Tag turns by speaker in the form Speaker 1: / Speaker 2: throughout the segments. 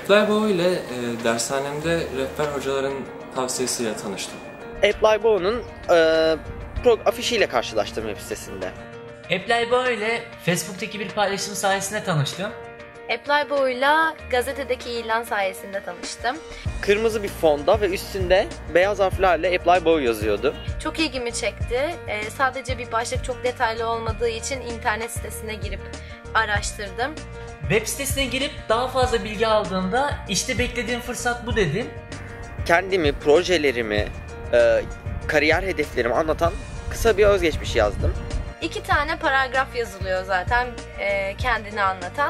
Speaker 1: Apply ile dershanemde rehber hocaların tavsiyesiyle tanıştım.
Speaker 2: Apply afişiyle karşılaştım web sitesinde.
Speaker 3: Apply ile Facebook'taki bir paylaşım sayesinde tanıştım.
Speaker 4: Apply gazetedeki ilan sayesinde tanıştım.
Speaker 2: Kırmızı bir fonda ve üstünde beyaz harflerle Apply yazıyordu.
Speaker 4: Çok ilgimi çekti. Sadece bir başlık çok detaylı olmadığı için internet sitesine girip araştırdım.
Speaker 3: Web sitesine girip daha fazla bilgi aldığımda işte beklediğim fırsat bu dedim.
Speaker 2: Kendimi, projelerimi, kariyer hedeflerimi anlatan kısa bir özgeçmiş yazdım.
Speaker 4: 2 tane paragraf yazılıyor zaten kendini anlatan.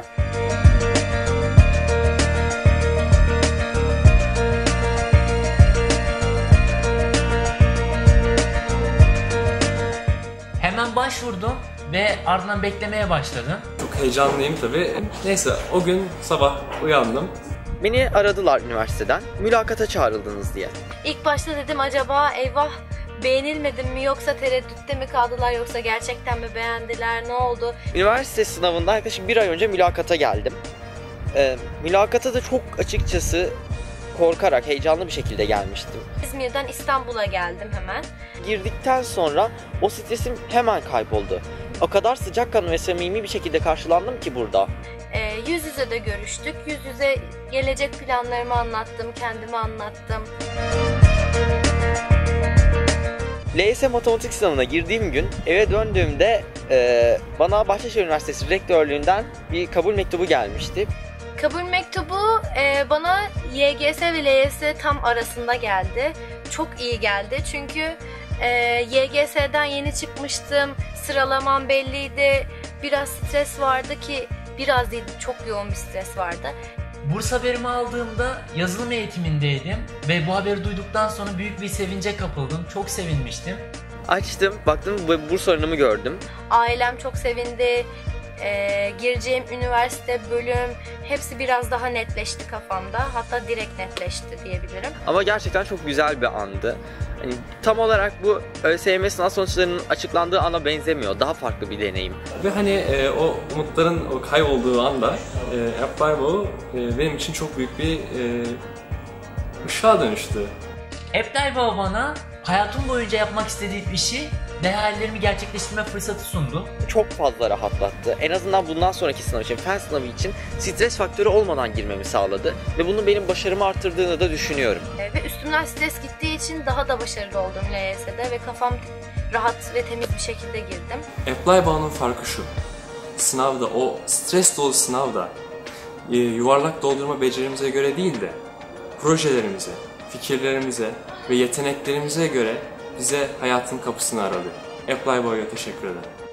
Speaker 3: Hemen başvurdum ve ardından beklemeye başladım.
Speaker 1: Çok heyecanlıyım tabii. Neyse o gün sabah uyandım.
Speaker 2: Beni aradılar üniversiteden, mülakata çağrıldınız diye.
Speaker 4: İlk başta dedim acaba eyvah beğenilmedim mi yoksa tereddütte mi kaldılar yoksa gerçekten mi beğendiler, ne oldu?
Speaker 2: Üniversite sınavından yaklaşık 1 ay önce mülakata geldim. Mülakata da çok açıkçası korkarak, heyecanlı bir şekilde gelmiştim.
Speaker 4: İzmir'den İstanbul'a geldim hemen.
Speaker 2: Girdikten sonra o stresim hemen kayboldu. O kadar sıcakkanlı ve samimi bir şekilde karşılandım ki burada.
Speaker 4: Yüz yüze de görüştük. Yüz yüze gelecek planlarımı anlattım, kendimi anlattım.
Speaker 2: LYS matematik sınavına girdiğim gün eve döndüğümde bana Bahçeşehir Üniversitesi Rektörlüğü'nden bir kabul mektubu gelmişti.
Speaker 4: Kabul mektubu bana YGS ve LYS tam arasında geldi. Çok iyi geldi çünkü YGS'den yeni çıkmıştım, sıralamam belliydi, biraz stres vardı ki biraz değil çok yoğun bir stres vardı.
Speaker 3: Burs haberimi aldığımda yazılım eğitimindeydim ve bu haberi duyduktan sonra büyük bir sevince kapıldım. Çok sevinmiştim.
Speaker 2: Açtım, baktım bu burs oranımı gördüm.
Speaker 4: Ailem çok sevindi. Gireceğim üniversite, bölüm hepsi biraz daha netleşti kafamda. Hatta direkt netleşti diyebilirim.
Speaker 2: Ama gerçekten çok güzel bir andı. Hani tam olarak bu ÖSYM sınav sonuçlarının açıklandığı ana benzemiyor. Daha farklı bir deneyim.
Speaker 1: Ve hani o umutların o kaybolduğu anda Apply benim için çok büyük bir ışığa dönüştü.
Speaker 3: Apply bana hayatım boyunca yapmak istediğim işi ve hayallerimi gerçekleştirme fırsatı sundu.
Speaker 2: Çok fazla rahatlattı. En azından bundan sonraki sınav için, fen sınavı için stres faktörü olmadan girmemi sağladı. Ve bunun benim başarımı arttırdığını da düşünüyorum.
Speaker 4: Ve üstümden stres gittiği için daha da başarılı oldum LYS'de ve kafam rahat ve temiz bir şekilde girdim.
Speaker 1: Apply farkı şu. Sınavda, o stres dolu sınavda yuvarlak doldurma becerimize göre değil de projelerimize, fikirlerimize ve yeteneklerimize göre bize hayatın kapısını aradı. Apply teşekkür ederim.